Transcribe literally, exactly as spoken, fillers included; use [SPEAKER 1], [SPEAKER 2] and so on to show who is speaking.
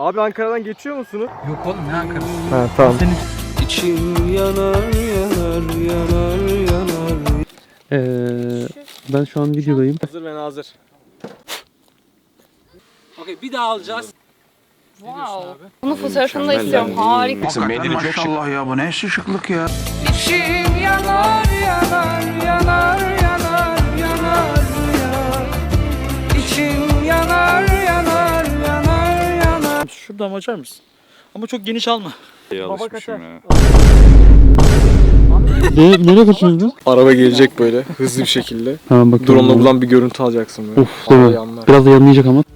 [SPEAKER 1] Abi Ankara'dan geçiyor musunuz?
[SPEAKER 2] Yok oğlum ne Ankara'sı?
[SPEAKER 1] Ha tamam.
[SPEAKER 2] Senin...
[SPEAKER 1] İçim yanar yanar yanar yanar.
[SPEAKER 3] Ee, ben şu an videodayım.
[SPEAKER 1] Hazır ve nazır.
[SPEAKER 2] Okey bir daha alacağız.
[SPEAKER 4] Wow. Bunun fotoğrafını da istiyorum. Harika.
[SPEAKER 5] Hakikaten maşallah ya, bu ne şıklık ya.
[SPEAKER 4] İçim yanar yanar yanar yanar yanar yanar. İçim yanar yanar yanar yanar.
[SPEAKER 2] Şuradan açar mısın? Ama çok geniş alma.
[SPEAKER 1] Baba kaçar.
[SPEAKER 3] Ne, nereye kaçıyorsunuz?
[SPEAKER 1] Araba gelecek böyle hızlı bir şekilde.
[SPEAKER 3] Tamam bakıyorum.
[SPEAKER 1] Drone'la buradan bir görüntü alacaksın böyle.
[SPEAKER 3] Of değil mi? Biraz da yanlayacak ama.